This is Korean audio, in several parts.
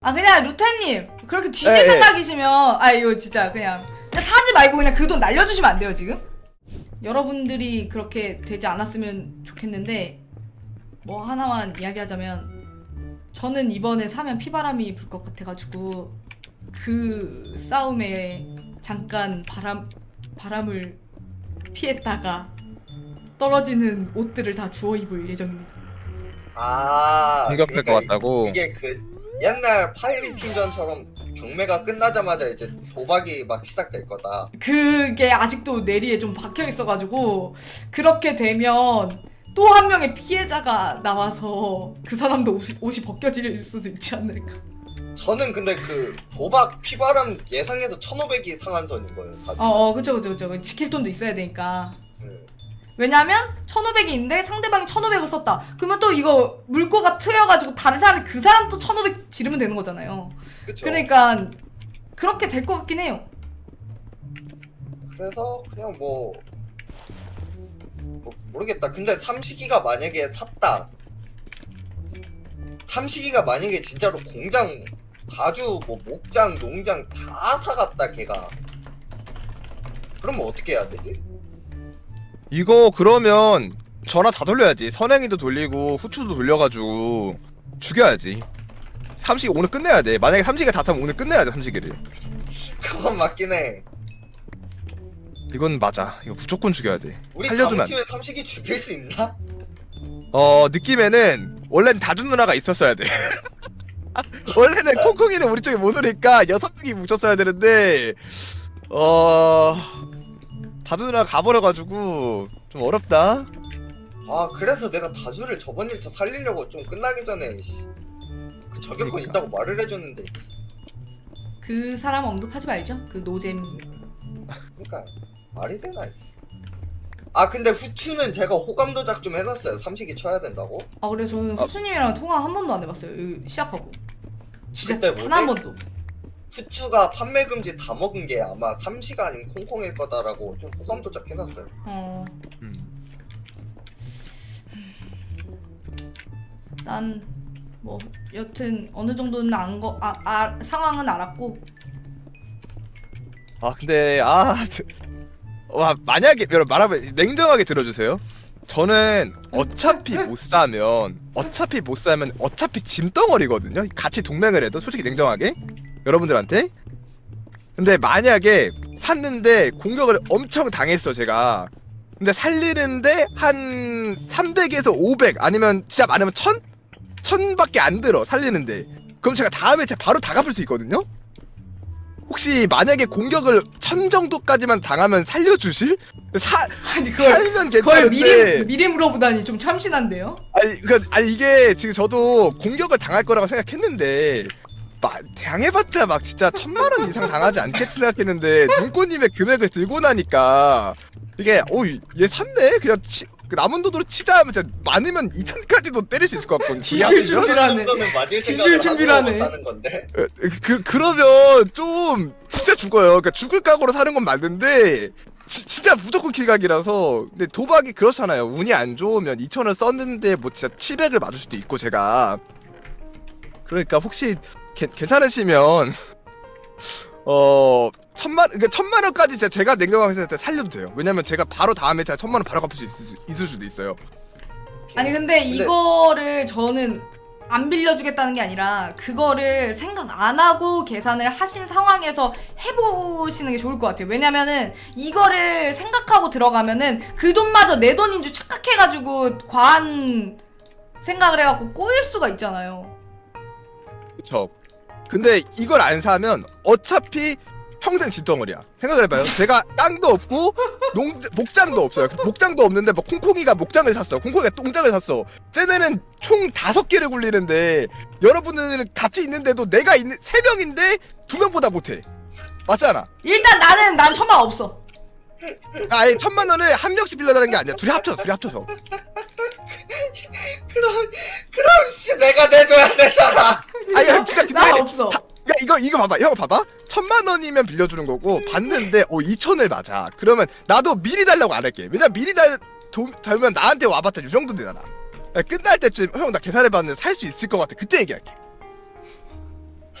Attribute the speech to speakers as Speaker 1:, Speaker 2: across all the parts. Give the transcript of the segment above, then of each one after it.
Speaker 1: 아 그냥 루테님 그렇게 뒤질
Speaker 2: 예, 예.
Speaker 1: 생각이시면 아 이거 진짜 그냥 사지 말고 그냥 그 돈 날려주시면 안 돼요 지금? 여러분들이 그렇게 되지 않았으면 좋겠는데 뭐 하나만 이야기하자면 저는 이번에 사면 피바람이 불 것 같아가지고 그 싸움에 잠깐 바람을 피했다가 떨어지는 옷들을 다 주워 입을 예정입니다.
Speaker 3: 아,
Speaker 2: 공격할 것 같다고?
Speaker 3: 이게 그 옛날 파이리 팀전처럼 경매가 끝나자마자 이제 도박이 막 시작될 거다.
Speaker 1: 그게 아직도 내리에 좀 박혀 있어가지고 그렇게 되면 또 한 명의 피해자가 나와서 그 사람도 옷이 벗겨질 수도 있지 않을까.
Speaker 3: 저는 근데 그 도박 피바람 예상해서 1,500이 상한선인 거예요. 다들.
Speaker 1: 그쵸. 지킬 돈도 있어야 되니까.
Speaker 3: 네.
Speaker 1: 왜냐면 1,500이 있는데 상대방이 1,500을 썼다. 그러면 또 이거 물꼬가 트여가지고 다른 사람이 그 사람 또 1,500 지르면 되는 거잖아요.
Speaker 3: 그쵸.
Speaker 1: 그러니까 그렇게 될 것 같긴 해요.
Speaker 3: 그래서 그냥 뭐 모르겠다. 근데 삼식이가 만약에 샀다. 삼식이가 만약에 진짜로 공장 가주 뭐 목장 농장 다 사갔다 걔가. 그러면 어떻게 해야 되지?
Speaker 2: 이거 그러면 전화 다 돌려야지. 선행이도 돌리고 후추도 돌려가지고 죽여야지. 삼식이 오늘 끝내야 돼. 만약에 삼식이가 다 타면 오늘 끝내야 돼. 삼식이를.
Speaker 3: 그건 맞긴 해.
Speaker 2: 이건 맞아. 이거 무조건 죽여야 돼.
Speaker 3: 우리
Speaker 2: 살려두면
Speaker 3: 다음
Speaker 2: 안 돼.
Speaker 3: 팀에 삼식이 죽일 수 있나?
Speaker 2: 느낌에는 원래는 다준 누나가 있었어야 돼. 원래는 콩콩이는 우리 쪽에 못 오니까 6명이 뭉쳤어야 되는데 다준 누나가 가버려가지고 좀 어렵다.
Speaker 3: 아 그래서 내가 다주를 저번 1차 살리려고 좀 끝나기 전에 그 저격권
Speaker 2: 그러니까.
Speaker 3: 있다고 말을 해줬는데.
Speaker 1: 그 사람 언급하지 말죠. 그 노잼.
Speaker 3: 그러니까 말이 되나 이게. 아 근데 후추는 제가 호감 도작 좀 해놨어요. 삼식이 쳐야 된다고.
Speaker 1: 아 그래 저는 후수님이랑 통화 한 번도 안 해봤어요. 이거 시작하고. 진짜
Speaker 3: 그때
Speaker 1: 단
Speaker 3: 뭐지?
Speaker 1: 한 번도.
Speaker 3: 후추가 판매 금지 다 먹은 게 아마 삼시가 아니면 콩콩일 거다라고 좀 호감 도작 해놨어요.
Speaker 1: 난 뭐 여튼 어느 정도는 상황은 알았고.
Speaker 2: 근데 만약에 여러분 말하면 냉정하게 들어주세요. 저는 어차피 못 사면 어차피 짐덩어리거든요. 같이 동맹을 해도 솔직히 냉정하게 여러분들한테. 근데 만약에 샀는데 공격을 엄청 당했어 제가. 근데 살리는데 한 300에서 500 아니면 진짜 많으면 1000밖에 안 들어 살리는데. 그럼 제가 다음에 제가 바로 다 갚을 수 있거든요. 혹시 만약에 공격을 1000 정도까지만 당하면 살려주실?
Speaker 1: 아니
Speaker 2: 살면
Speaker 1: 그걸
Speaker 2: 괜찮은데.
Speaker 1: 미리 물어보다니 좀 참신한데요?
Speaker 2: 아니 이게 지금 저도 공격을 당할 거라고 생각했는데 당해봤자 막 진짜 1000만원 이상 당하지 않겠지 생각했는데 눈꽃님의 금액을 들고 나니까 이게 얘 샀네? 그냥 그 남은 돈으로 치자 하면 진짜 많으면 2000까지도 때릴 수 있을 것 같거든요.
Speaker 1: 지실 준비라네.
Speaker 3: 정도는 맞을
Speaker 1: 진실
Speaker 3: 생각을
Speaker 1: 준비라네.
Speaker 3: 하고 사는 건데.
Speaker 2: 그러면 좀 진짜 죽어요. 그러니까 죽을 각오로 사는 건 맞는데 진짜 무조건 킬각이라서. 근데 도박이 그렇잖아요. 운이 안 좋으면 2000원 썼는데 뭐 진짜 700을 맞을 수도 있고 제가. 그러니까 혹시 괜찮으시면 1000만 원까지 제가 냉정하게 생각할 때 살려도 돼요. 왜냐면 제가 바로 다음에 제가 1000만 원 바로 갚을 수 있을 수도 있어요.
Speaker 1: 아니 근데 이거를 저는 안 빌려주겠다는 게 아니라 그거를 생각 안 하고 계산을 하신 상황에서 해보시는 게 좋을 것 같아요. 왜냐면은 이거를 생각하고 들어가면은 그 돈마저 내 돈인 줄 착각해가지고 과한 생각을 해갖고 꼬일 수가 있잖아요.
Speaker 2: 그쵸. 근데 이걸 안 사면 어차피 평생 집덩어리야. 생각을 해봐요. 제가 땅도 없고 목장도 없어요. 목장도 없는데 뭐 콩콩이가 목장을 샀어. 콩콩이가 똥장을 샀어. 쟤네는 총 5개를 굴리는데 여러분들은 같이 있는데도 내가 있는 3명인데 2명보다 못해. 맞잖아.
Speaker 1: 일단 난 1000만 없어.
Speaker 2: 아니 1000만 원을 한 명씩 빌려달라는 게 아니야. 둘이 합쳐서.
Speaker 3: 그럼 씨 내가 내줘야 되잖아.
Speaker 2: 아니 진짜 근데
Speaker 1: 나 없어.
Speaker 2: 이거 봐봐. 형 봐봐. 1000만 원이면 빌려주는 거고 봤는데 2000을 맞아. 그러면 나도 미리 달라고 안 할게. 왜냐면 미리 달면 나한테 와봤자 이 정도 되잖아. 끝날 때쯤 형 나 계산해봤는데 살 수 있을 것 같아. 그때 얘기할게.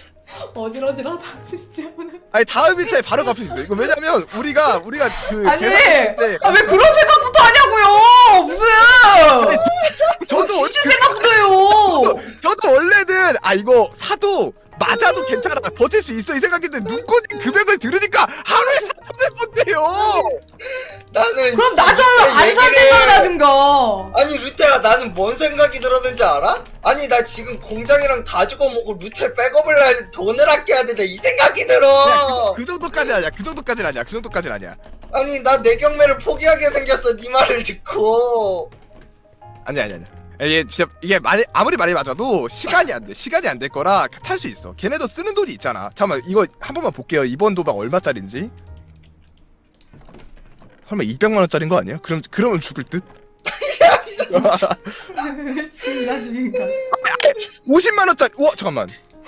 Speaker 1: 어질어질하다 진짜 오늘.
Speaker 2: 아니 다음 1차에 바로 갚을 수 있어. 이거 왜냐면 우리가 그
Speaker 1: 아니
Speaker 2: 계산했을 때
Speaker 1: 아, 왜 그런 생각부터 하냐고요. 무슨
Speaker 2: 저도 원래
Speaker 1: 진짜 생각부터 해요.
Speaker 2: 저도 원래는 아 이거 사도 맞아도 괜찮아 버틸 수 있어 이 생각인데 눈꽃 금액을 들으니까 하루에 3,000원 번대요.
Speaker 3: 나는
Speaker 1: 그럼 나 좀
Speaker 3: 진짜
Speaker 1: 안 살
Speaker 3: 얘기를-
Speaker 1: 생각하든가.
Speaker 3: 아니 루테야 나는 뭔 생각이 들었는지 알아? 아니 나 지금 공장이랑 다 죽어먹고 루테 백업을 할 돈을 아껴야 된다 이 생각이 들어.
Speaker 2: 그 정도까지 아니야. 그 정도까지는 아니야. 그 정도까지는 아니야.
Speaker 3: 아니 나 내 경매를 포기하게 생겼어 네 말을 듣고.
Speaker 2: 아니야. 이게 진짜 이게 아무리 말이 맞아도 시간이 안 돼. 시간이 안 될 거라 탈 수 있어. 걔네도 쓰는 돈이 있잖아. 잠깐만 이거 한 번만 볼게요. 이번 도박 얼마짜리인지. 설마 200만 원짜리인 거 아니야? 그러면 죽을 듯?
Speaker 1: 미친다 죽인가.
Speaker 2: 50만 원짜리. 와 잠깐만.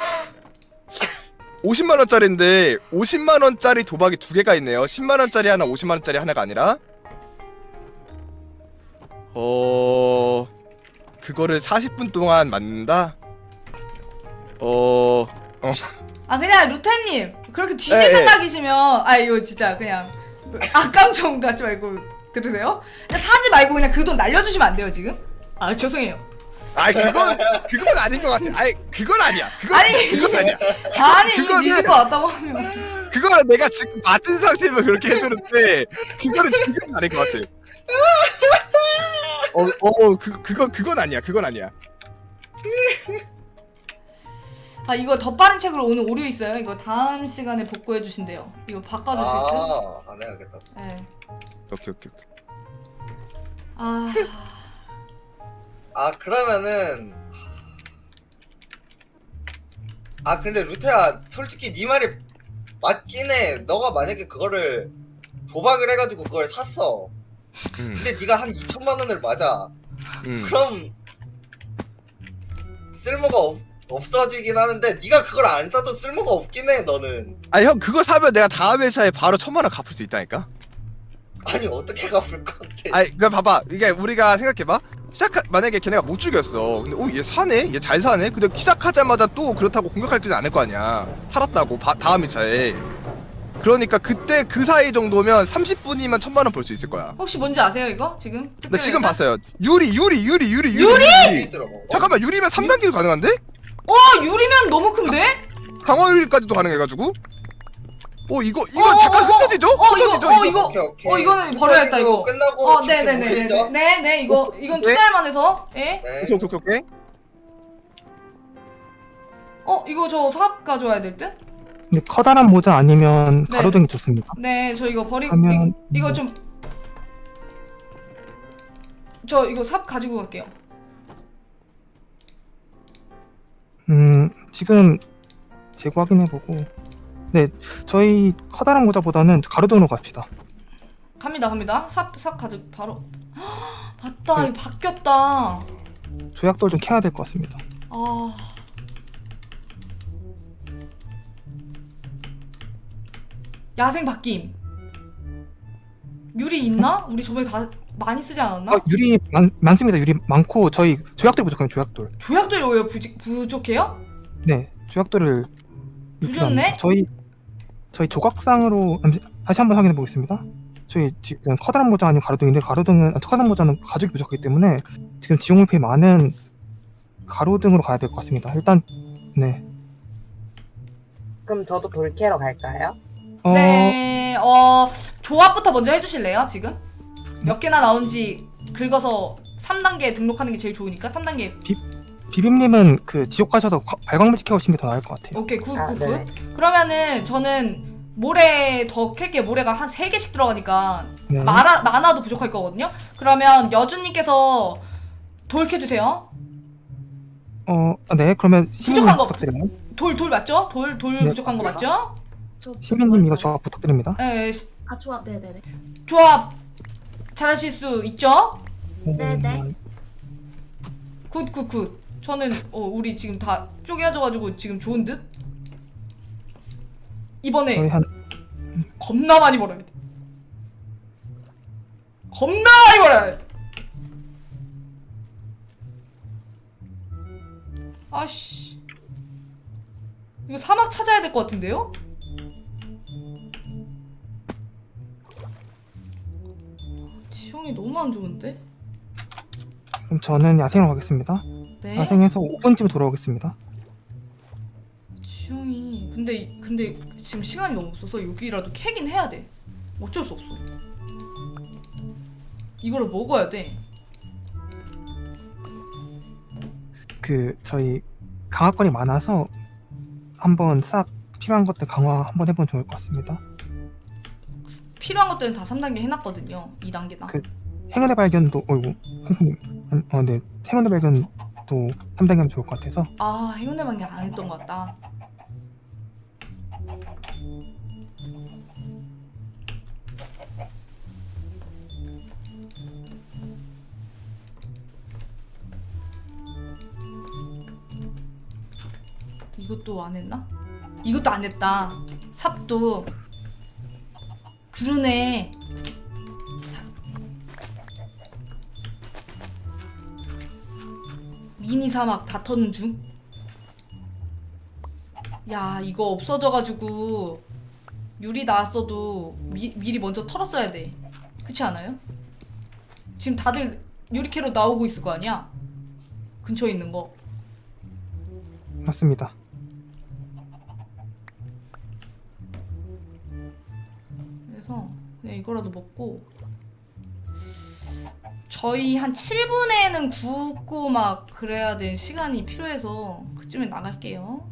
Speaker 2: 50만 원짜리인데 50만 원짜리 도박이 두 개가 있네요. 10만 원짜리 하나, 50만 원짜리 하나가 아니라. 그거를 40분 동안 맞는다.
Speaker 1: 아 그냥 루테님 그렇게 뒤질
Speaker 2: 예, 예.
Speaker 1: 생각이시면 아 이거 진짜 그냥 악감정 갖지 말고 들으세요? 그냥 사지 말고 그냥 그 돈 날려주시면 안 돼요 지금? 아 죄송해요.
Speaker 2: 아니 그건 아닌 것 같아. 아니 그건 아니야. 그건 아니야.
Speaker 1: 아니 이거
Speaker 2: 그거는-
Speaker 1: 믿을 것 같다고 하면
Speaker 2: 그거는 내가 지금 맞은 상태면 그렇게 해주는데 그거는 지금 아닌 것 같아. 그건 아니야. 그건 아니야.
Speaker 1: 아 이거 더 빠른 책으로 오늘 오류 있어요. 이거 다음 시간에 복구해 주신대요. 이거 바꿔주실 때.
Speaker 3: 안 해야겠다.
Speaker 1: 네.
Speaker 2: 오케이.
Speaker 1: 아
Speaker 3: 그러면은 근데 루테야 솔직히 네 말이 맞긴 해. 너가 만약에 그거를 도박을 해가지고 그걸 샀어. 근데 네가 한 2천만 원을 맞아. 그럼 쓸모가 없어지긴 하는데 네가 그걸 안 사도 쓸모가 없긴 해 너는.
Speaker 2: 아니 형 그거 사면 내가 다음 회차에 바로 1,000만 원 갚을 수 있다니까.
Speaker 3: 아니 어떻게 갚을 건데?
Speaker 2: 아니 그러니까 봐봐. 이게 우리가 생각해봐. 만약에 걔네가 못 죽였어. 근데 얘 사네? 얘 잘 사네? 근데 시작하자마자 또 그렇다고 공격하지는 않을 거 아니야. 살았다고 다음 1차에. 그러니까 그때 그 사이 정도면 30분이면 1,000만 원 벌 수 있을 거야.
Speaker 1: 혹시 뭔지 아세요 이거 지금?
Speaker 2: 나 지금
Speaker 1: 특별회사?
Speaker 2: 봤어요. 유리.
Speaker 3: 들어먹어.
Speaker 2: 잠깐만 유리면 3단계도 가능한데?
Speaker 1: 유리면 너무 큰데?
Speaker 2: 강화 유리까지도 가능해가지고. 이거
Speaker 1: 어,
Speaker 2: 잠깐
Speaker 1: 어,
Speaker 2: 흩어지죠?
Speaker 1: 어,
Speaker 2: 흩어지죠
Speaker 1: 이거,
Speaker 2: 이거?
Speaker 3: 오케이.
Speaker 1: 이거는 버려야겠다 이거.
Speaker 3: 끝나고
Speaker 1: 네네네. 네네 이건 투자할 만해서. 예?
Speaker 3: 네.
Speaker 2: 오케이.
Speaker 1: 이거 저 사업 가져와야 될 듯?
Speaker 4: 근데 커다란 모자 아니면
Speaker 1: 네.
Speaker 4: 가로등이 좋습니다.
Speaker 1: 네, 저 이거 버리고
Speaker 4: 그러면-
Speaker 1: 이거 좀 저 이거 삽 가지고 갈게요.
Speaker 4: 지금 재고 확인해보고. 네, 저희 커다란 모자보다는 가로등으로 갑시다.
Speaker 1: 갑니다. 삽 가지고 바로. 맞다,
Speaker 4: 네.
Speaker 1: 이거 바뀌었다.
Speaker 4: 조약돌 좀 캐야 될 것 같습니다.
Speaker 1: 아. 야생 바뀜. 유리 있나? 우리 저번에 다 많이 쓰지 않았나?
Speaker 4: 유리 많습니다. 유리 많고 저희 조약돌 부족해요. 조약돌.
Speaker 1: 조약돌이 왜 부족해요?
Speaker 4: 네, 조약돌을
Speaker 1: 부셨네?
Speaker 4: 저희 조각상으로 다시 한번 확인해 보겠습니다. 저희 지금 커다란 모자 아니면 가로등인데 커다란 모자는 가죽이 부족하기 때문에 지금 지용물품이 많은 가로등으로 가야 될 것 같습니다. 일단 네.
Speaker 5: 그럼 저도 돌캐러 갈까요?
Speaker 1: 네, 조합부터 먼저 해주실래요, 지금? 몇 개나 나온지 긁어서 3단계 등록하는 게 제일 좋으니까 3단계.
Speaker 4: 비빔님은 그 지옥 가셔서 발광물질 캐오시는 게 더 나을 것 같아요.
Speaker 1: 오케이, 굿.
Speaker 5: 네.
Speaker 1: 그러면은 저는 모래 더 캘게. 모래가 한 3개씩 들어가니까
Speaker 4: 네.
Speaker 1: 만화도 부족할 거거든요. 그러면 여주님께서 돌 캐주세요.
Speaker 4: 네, 그러면 시민님
Speaker 1: 부족한 거.
Speaker 4: 부탁드려요.
Speaker 1: 돌 맞죠? 돌
Speaker 4: 네.
Speaker 1: 부족한 거 맞죠?
Speaker 4: 시민님 이거 조합 부탁드립니다.
Speaker 1: 네,
Speaker 6: 조합 네네네.
Speaker 1: 조합 잘하실 수 있죠?
Speaker 6: 네네.
Speaker 1: 굿. 저는 우리 지금 다 쪼개져가지고 지금 좋은 듯? 이번에
Speaker 4: 저희 한
Speaker 1: 겁나 많이 벌어야 돼. 겁나 많이 벌어야 돼. 아씨. 이거 사막 찾아야 될 것 같은데요? 지형이 너무 안 좋은데?
Speaker 4: 그럼 저는 야생으로 가겠습니다.
Speaker 1: 네.
Speaker 4: 야생에서 5분쯤 돌아오겠습니다.
Speaker 1: 지형이 근데 지금 시간이 너무 없어서 여기라도 캐긴 해야 돼. 어쩔 수 없어. 이거를 먹어야 돼.
Speaker 4: 저희 강화권이 많아서 한번 싹 필요한 것들 강화 한번 해보면 좋을 것 같습니다.
Speaker 1: 필요한 것들은 다 3단계 해놨거든요. 2단계다.
Speaker 4: 행운의 발견도 어이구 콩콩님 네 행운의 발견도 3단계 하면 좋을 것 같아서
Speaker 1: 아, 행운의 방향 안 했던 것 같다. 이것도 안 했나? 이것도 안 했다. 삽도. 그러네. 미니 사막 다 터는 중? 야, 이거 없어져가지고 유리 나왔어도 미리 먼저 털었어야 돼. 그렇지 않아요? 지금 다들 유리캐로 나오고 있을 거 아니야? 근처에 있는 거.
Speaker 4: 맞습니다.
Speaker 1: 그래서 그냥 이거라도 먹고 저희 한 7분에는 굽고 막 그래야 될 시간이 필요해서 그쯤에 나갈게요.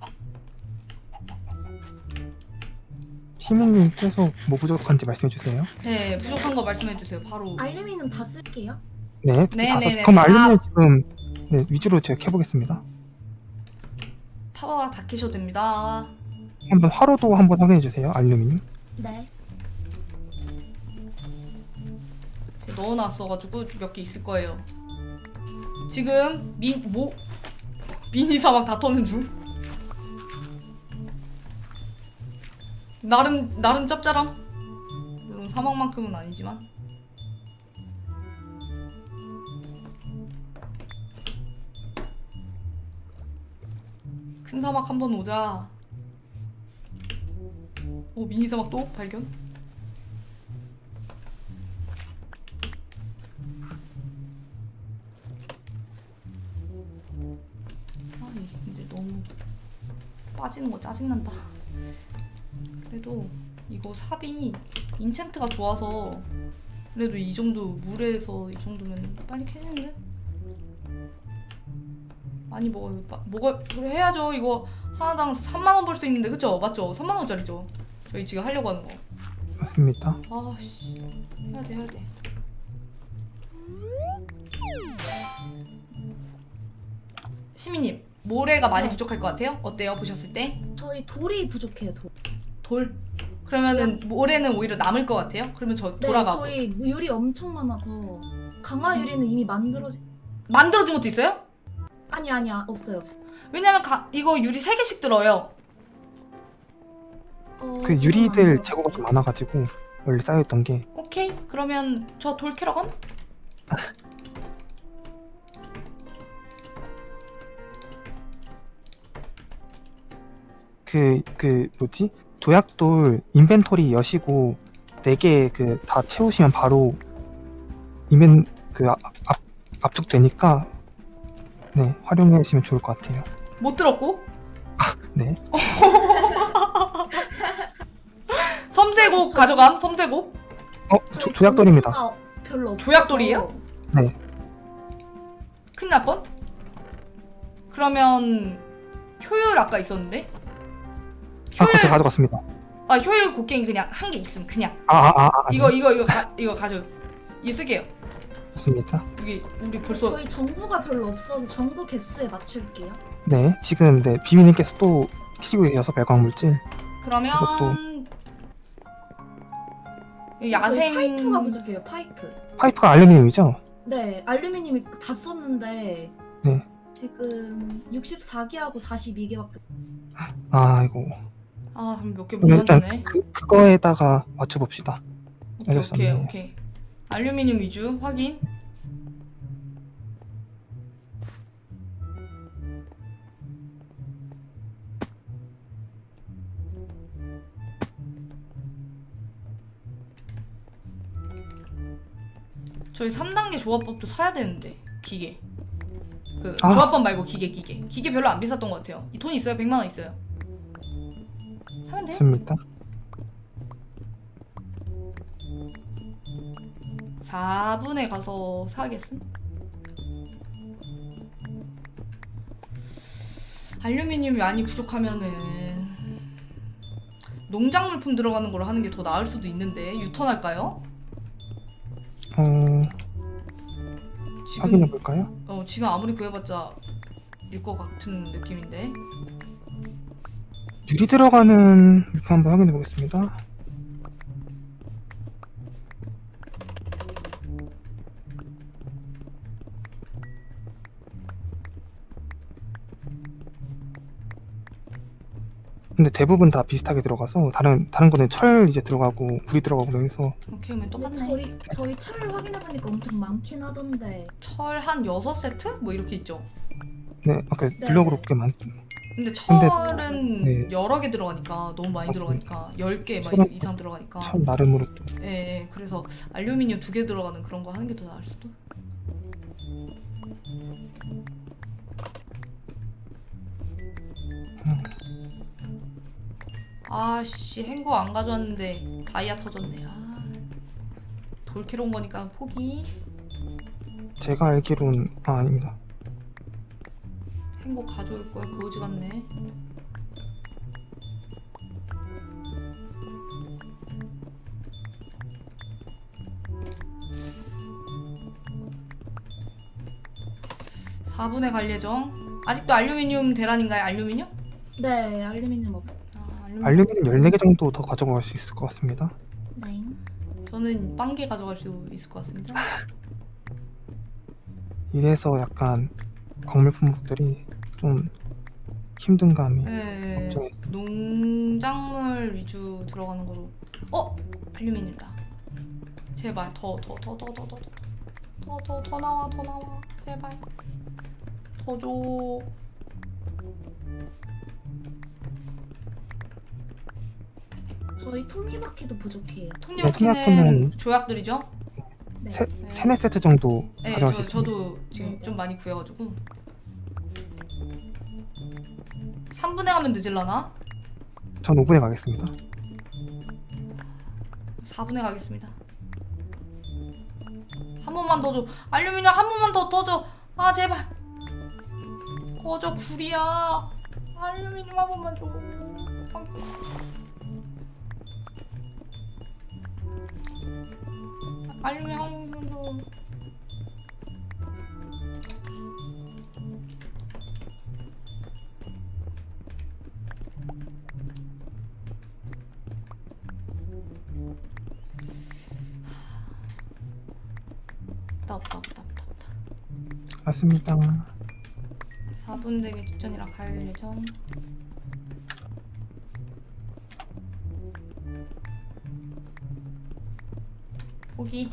Speaker 4: 시민님 계속 뭐 부족한지 말씀해 주세요.
Speaker 1: 네, 부족한 거 말씀해 주세요. 바로.
Speaker 6: 알루미늄 다 쓸게요.
Speaker 4: 네,
Speaker 1: 네네네.
Speaker 4: 그럼 알루미늄 지금 네, 위주로 제가 캐보겠습니다.
Speaker 1: 파워가 다 캐셔도 됩니다.
Speaker 4: 한번 화로도 한번 확인해 주세요. 알루미늄.
Speaker 6: 네.
Speaker 1: 제가 넣어놨어가지고 몇 개 있을 거예요. 지금 미니 사막 다 터는 중. 나름 짭짤함. 물론 사막만큼은 아니지만. 큰 사막 한번 오자. 오, 미니 사막 또 발견. 아니 근데 너무 빠지는 거 짜증난다. 그래도 이거 삽이 인챈트가 좋아서 그래도 이 정도 물에서 이 정도면 빨리 캐는데? 많이 먹어요. 그래 해야죠. 이거 하나당 3만원 벌 수 있는데 그쵸? 맞죠? 3만원짜리죠? 저희 지금 하려고 하는 거.
Speaker 4: 맞습니다.
Speaker 1: 아씨 해야 돼. 시민님 모래가 많이
Speaker 6: 네.
Speaker 1: 부족할 것 같아요? 어때요? 보셨을 때?
Speaker 6: 저희 돌이 부족해요.
Speaker 1: 돌? 그러면은 모래는 오히려 남을 것 같아요? 그러면 저
Speaker 6: 네,
Speaker 1: 돌아가고
Speaker 6: 저희 유리 엄청 많아서 강화 유리는 이미
Speaker 1: 만들어진 것도 있어요?
Speaker 6: 아니야 없어요.
Speaker 1: 왜냐면 이거 유리 3개씩 들어요.
Speaker 4: 그 유리들 재고가 좀 많아가지고 원래 쌓여있던 게
Speaker 1: 오케이 그러면 저 돌 캐러 감?
Speaker 4: 뭐지? 조약돌 인벤토리 여시고 4개 다 채우시면 바로 압축되니까 네 활용해 주시면 좋을 것 같아요.
Speaker 1: 못 들었고?
Speaker 4: 네.
Speaker 1: 섬세곡 가져감 섬세곡?
Speaker 4: 조약돌입니다.
Speaker 6: 별로 없어서.
Speaker 1: 조약돌이에요?
Speaker 4: 네.
Speaker 1: 큰일 날 뻔? 그러면 효율 아까 있었는데?
Speaker 4: 그거 제가 가져갔습니다.
Speaker 1: 효율 곡괭이 그냥 한 개 있음 그냥
Speaker 4: 네.
Speaker 1: 이거 가져. 이거 쓸게요.
Speaker 4: 맞습니다.
Speaker 1: 여기 우리 벌써
Speaker 6: 저희 정보가 별로 없어서 정보 개수에 맞출게요.
Speaker 4: 네, 지금 네 비미님께서 또 키시고 계셔서 발광물질
Speaker 1: 그러면
Speaker 6: 저희
Speaker 1: 야생
Speaker 6: 파이프가 부족해요.
Speaker 4: 파이프가 알루미늄이죠?
Speaker 6: 네, 알루미늄이 다 썼는데
Speaker 4: 네.
Speaker 6: 지금 64개하고 42개밖에.
Speaker 1: 그럼
Speaker 4: 아이고.
Speaker 1: 몇 개 못
Speaker 4: 그러면 일단
Speaker 1: 만드네.
Speaker 4: 그거에다가 맞춰봅시다. 알겠습니다.
Speaker 1: 오케이. 알루미늄 위주 확인. 저희 3단계 조합법도 사야 되는데 기계. 그
Speaker 4: 아.
Speaker 1: 조합법 말고 기계 별로 안 비쌌던 것 같아요. 이 돈 있어요? 100만 원 있어요. 사면 돼요?
Speaker 4: 있습니다.
Speaker 1: 4분에 가서 사겠음? 알루미늄이 많이 부족하면은 농작 물품 들어가는 걸 하는 게 더 나을 수도 있는데 유턴할까요?
Speaker 4: 확인해 볼까요?
Speaker 1: 지금 아무리 구해봤자 일 것 같은 느낌인데.
Speaker 4: 유리 들어가는 물품 한번 확인해 보겠습니다. 근데 대부분 다 비슷하게 들어가서 다른 거는 철 이제 들어가고 불이 들어가고 그래서
Speaker 1: 오케이, 그러면
Speaker 6: 근데
Speaker 1: 똑같네.
Speaker 6: 저희 철 확인해보니까 엄청 많긴 하던데.
Speaker 1: 철 한 6세트? 뭐 이렇게 있죠.
Speaker 4: 네, 아까 블럭으로 꽤 많.
Speaker 1: 근데
Speaker 4: 근데-
Speaker 1: 철은
Speaker 4: 네.
Speaker 1: 여러 개 들어가니까 너무 많이
Speaker 4: 맞습니다.
Speaker 1: 들어가니까 10개 막
Speaker 4: 철은-
Speaker 1: 이상 들어가니까.
Speaker 4: 철 나름으로 또
Speaker 1: 예, 그래서 알루미늄 2개 들어가는 그런 거 하는 게 더 나을 수도. 아씨, 행거 안 가져왔는데 다이아 터졌네. 돌캐러 온 거니까 포기.
Speaker 4: 제가 알기로는 아닙니다.
Speaker 1: 행거 가져올 걸 거지 같네. (4분에) 갈 예정. 아직도 알루미늄 대란인가요? 알루미늄?
Speaker 6: 네, 알루미늄 없어.
Speaker 4: 알루미늄 14개 정도 더 가져갈 수 있을 것 같습니다.
Speaker 6: 네.
Speaker 1: 저는 빵개 가져갈 수 있을 것 같습니다.
Speaker 4: 이래서 약간 광물 품목들이 좀 힘든 감이
Speaker 1: 예,
Speaker 4: 없죠.
Speaker 1: 농작물 위주 들어가는 거로. 알루미늄이다. 제발 더 나와, 더 나와. 제발 더 줘.
Speaker 6: 저희 톱니바퀴도 부족해요.
Speaker 1: 톱니바퀴는
Speaker 4: 톱니바퀴는
Speaker 1: 조약들이죠?
Speaker 6: 네.
Speaker 4: 세네 세트 정도
Speaker 1: 네,
Speaker 4: 가져갈 수 있습니다.
Speaker 1: 저도 지금 좀 많이 구해가지고 3분에 가면 늦을라나?
Speaker 4: 전 5분에 가겠습니다.
Speaker 1: 4분에 가겠습니다. 한 번만 더 줘. 알루미늄 한 번만 더 줘. 아 제발. 꺼져 구리야. 알루미늄 한 번만 줘. 알루미늄 한 번만 줘. 없다.
Speaker 4: 맞습니다.
Speaker 1: 4분 되기 직전이라 갈 예정. 포기.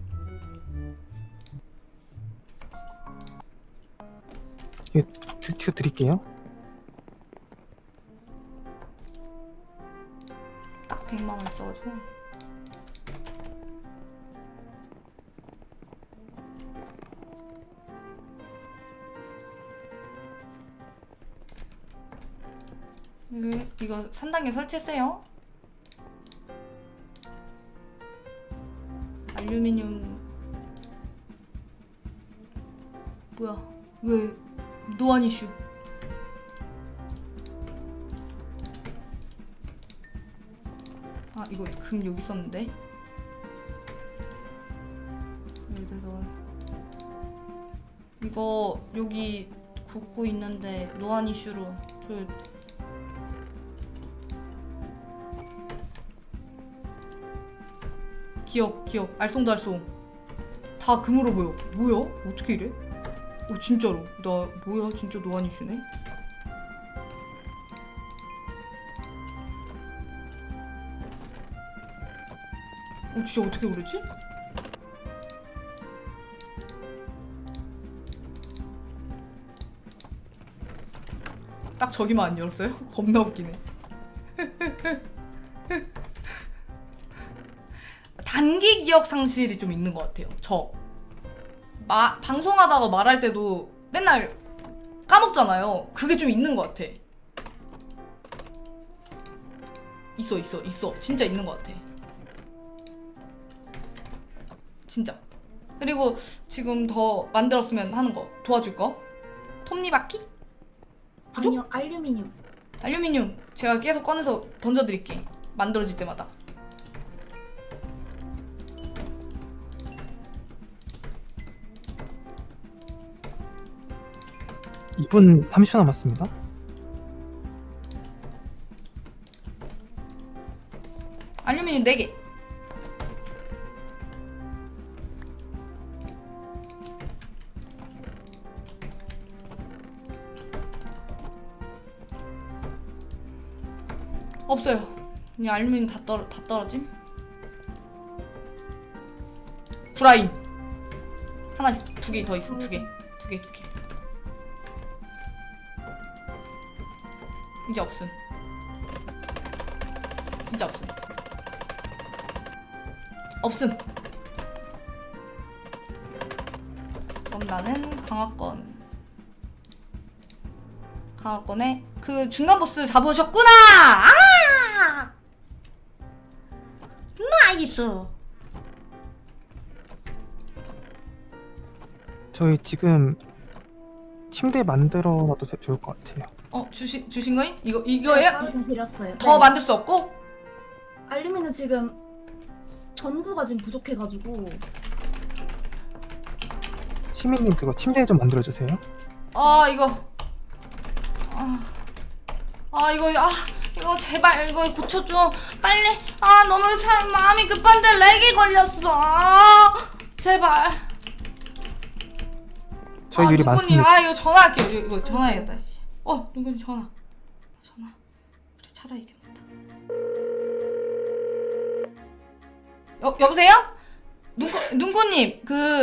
Speaker 4: 이거 드릴게요.
Speaker 1: 딱 100만 원 있어가지고. 이거 3단계 설치했어요. 알루미늄 뭐야? 왜 노안 이슈? 아 이거 금 여기 있었는데. 이거 여기 굽고 있는데 노안 이슈로 저 기억 알쏭달쏭 다 금으로 보여. 뭐야? 어떻게 이래? 진짜로 나 뭐야? 진짜 노안 이슈네. 진짜 어떻게 그러지? 딱 저기만 안 열었어요? 겁나 웃기네. 단기 기억 상실이 좀 있는 것 같아요. 방송하다가 말할 때도 맨날 까먹잖아요. 그게 좀 있는 것 같아. 있어. 진짜 있는 것 같아. 진짜. 그리고 지금 더 만들었으면 하는 거 도와줄 거. 톱니바퀴? 부족?
Speaker 6: 아니요, 알루미늄.
Speaker 1: 알루미늄 제가 계속 꺼내서 던져드릴게. 만들어질 때마다.
Speaker 4: 이 2분 30초 남았습니다.
Speaker 1: 알루미늄 4개. 없어요. 그냥 알루미늄 다 떨어짐. 구라임. 하나 있어. 2개 더 있어. 2개. 이제 없음. 진짜 없음. 없음. 그럼 나는 강화권에 그 중간 보스 잡으셨구나. 아! 나이스.
Speaker 4: 저희 지금 침대 만들어놔도 좋을 것 같아요.
Speaker 1: 주신 거임?
Speaker 6: 네,
Speaker 1: 이거예요?
Speaker 6: 가루등 드렸어요.
Speaker 1: 더
Speaker 6: 네.
Speaker 1: 만들 수 없고?
Speaker 6: 알루미늄 지금 전구가 지금 부족해가지고.
Speaker 4: 시민님 그거 침대 좀 만들어주세요.
Speaker 1: 이거 제발 이거 고쳐줘 빨리. 너무 참 마음이 급한데 렉이 걸렸어. 제발.
Speaker 4: 저희 유리
Speaker 1: 누구니?
Speaker 4: 많습니다.
Speaker 1: 이거 전화할게요. 이거 전화해야겠다. 씨. 누구니 전화. 그래 차라리 이게 낫다. 여보세요? 눈코님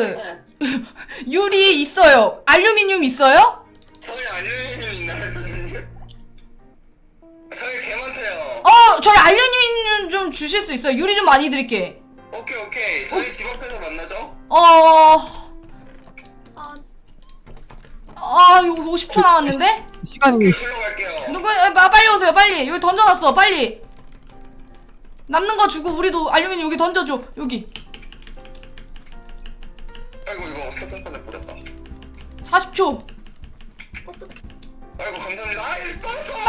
Speaker 1: 유리 있어요. 알루미늄 있어요?
Speaker 3: 저희 알루미늄 있나요, 선생님? 저희 개 많대요.
Speaker 1: 저희 알루미늄 좀 주실 수 있어요? 유리 좀 많이 드릴게.
Speaker 3: 오케이. 저희 집 앞에서 만나죠?
Speaker 1: 이거 50초 남았는데?
Speaker 4: 시간이
Speaker 3: 불러갈게요.
Speaker 1: 빨리 오세요, 빨리. 여기 던져놨어, 빨리. 남는 거 주고 우리도 알루미늄 여기 던져줘, 여기.
Speaker 3: 아이고 이거 세번판에 뿌렸다.
Speaker 1: 40초.
Speaker 3: 아이고 감사합니다. 또.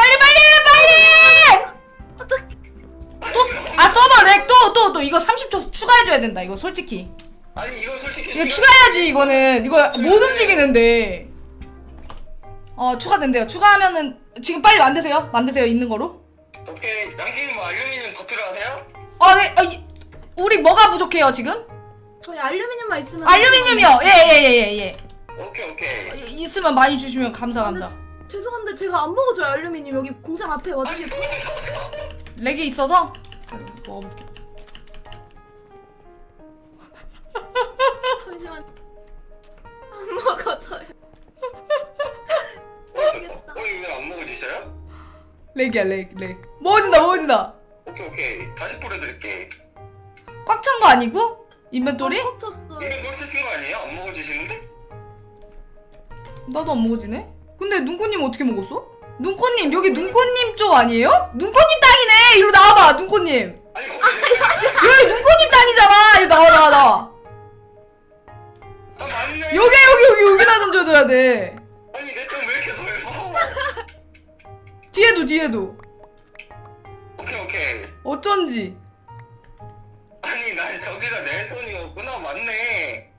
Speaker 1: 빨리! 서버 렉 또 이거 30초 추가해줘야 된다, 이거 솔직히.
Speaker 3: 아니 이거 솔직히
Speaker 1: 이거 추가해야지, 이거는. 이거 못 움직이는데. 추가된대요. 추가하면은 지금 빨리 만드세요, 있는 거로.
Speaker 3: 오케이. 양갱이 뭐 알루미늄 더 필요하세요?
Speaker 1: 네. 우리 뭐가 부족해요, 지금?
Speaker 6: 저희 알루미늄만 있으면.
Speaker 1: 알루미늄이요. 예.
Speaker 3: 오케이.
Speaker 1: 있으면 많이 주시면 감사.
Speaker 6: 죄송한데 제가 안 먹어줘요, 알루미늄. 여기 공장 앞에 와주세요.
Speaker 1: 렉이 있어서 먹어볼게.
Speaker 6: 잠시만. 안 먹어줘요.
Speaker 3: 왜 안 먹어지셔요?
Speaker 1: 렉이야, 렉. 먹어진다.
Speaker 3: 오케이. 다시 뿌려드릴게.
Speaker 1: 꽉 찬 거 아니고? 인벤토리?
Speaker 6: 꽂혔어요.
Speaker 3: 이거 놓치신 거 아니에요? 안 먹어지시는데?
Speaker 1: 나도 안 먹어지네? 근데 눈꽃님 어떻게 먹었어? 눈꽃님, 여기 눈꽃님 쪽 아니에요? 눈꽃님 땅이네! 이리로 나와봐, 눈꽃님!
Speaker 3: 아니
Speaker 1: 여기 눈꽃님 땅이잖아! 이리 나와.
Speaker 3: 맞네.
Speaker 1: 여기다 던져줘야 돼.
Speaker 3: 아니 내 점 왜 이렇게 넓어?
Speaker 1: 뒤에도.
Speaker 3: 오케이.
Speaker 1: 어쩐지.
Speaker 3: 아니 난 저기가 내 손이었구나. 맞네.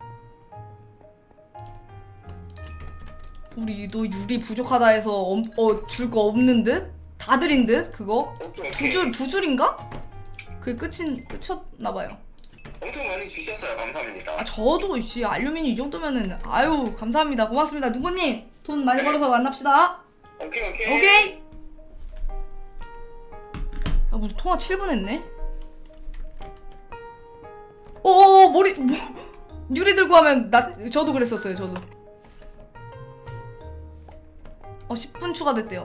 Speaker 1: 우리도 유리 부족하다 해서 줄 거 없는 듯? 다 드린 듯? 그거?
Speaker 3: 오케이.
Speaker 1: 두 줄인가? 그게 끝이었나봐요.
Speaker 3: 엄청 많이 주셨어요. 감사합니다.
Speaker 1: 저도 알루미늄 이 정도면은 아유 감사합니다. 고맙습니다. 누구님 돈 많이 벌어서 만납시다. 오케이. 야 무슨 통화 7분 했네? 머리 유리 들고 하면 저도 그랬었어요. 저도 10분 추가됐대요.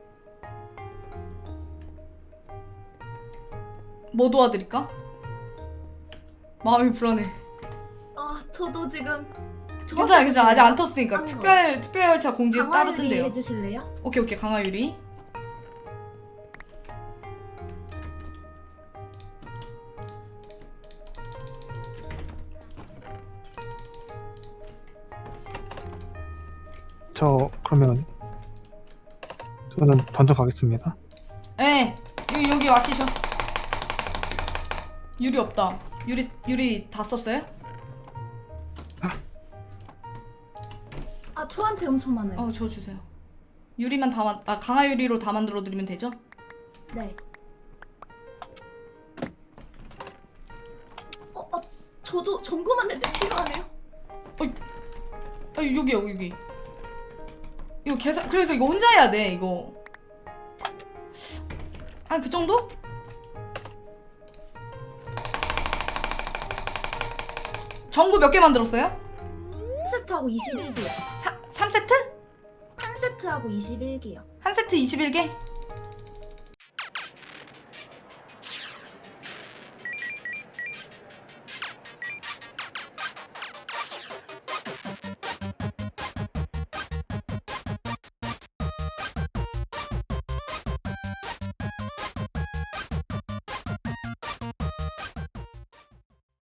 Speaker 1: 뭐 도와드릴까? 마음이 불안해.
Speaker 6: 저도 지금
Speaker 1: 괜찮아 괜찮아 아직 안 텄으니까
Speaker 6: 한 거.
Speaker 1: 특별 열차 공지 따로
Speaker 6: 강화유리
Speaker 1: 뜬대요.
Speaker 6: 해주실래요?
Speaker 1: 오케이 강화유리.
Speaker 4: 저 그러면 저는 던져 가겠습니다.
Speaker 1: 예 여기 맡기셔. 유리 없다. 유리 다 썼어요?
Speaker 6: 아 저한테 엄청 많아요.
Speaker 1: 저 주세요. 유리만 강화유리로 다 만들어 드리면 되죠?
Speaker 6: 네. 저도 전구 만들 때 필요하네요.
Speaker 1: 여기요 여기. 이거 계산 그래서 이거 혼자 해야 돼 이거. 한 그 정도? 전구 몇 개 만들었어요?
Speaker 6: 한 세트하고 21개요.
Speaker 1: 3세트?
Speaker 6: 한 세트하고 21개요.
Speaker 1: 한 세트 21개?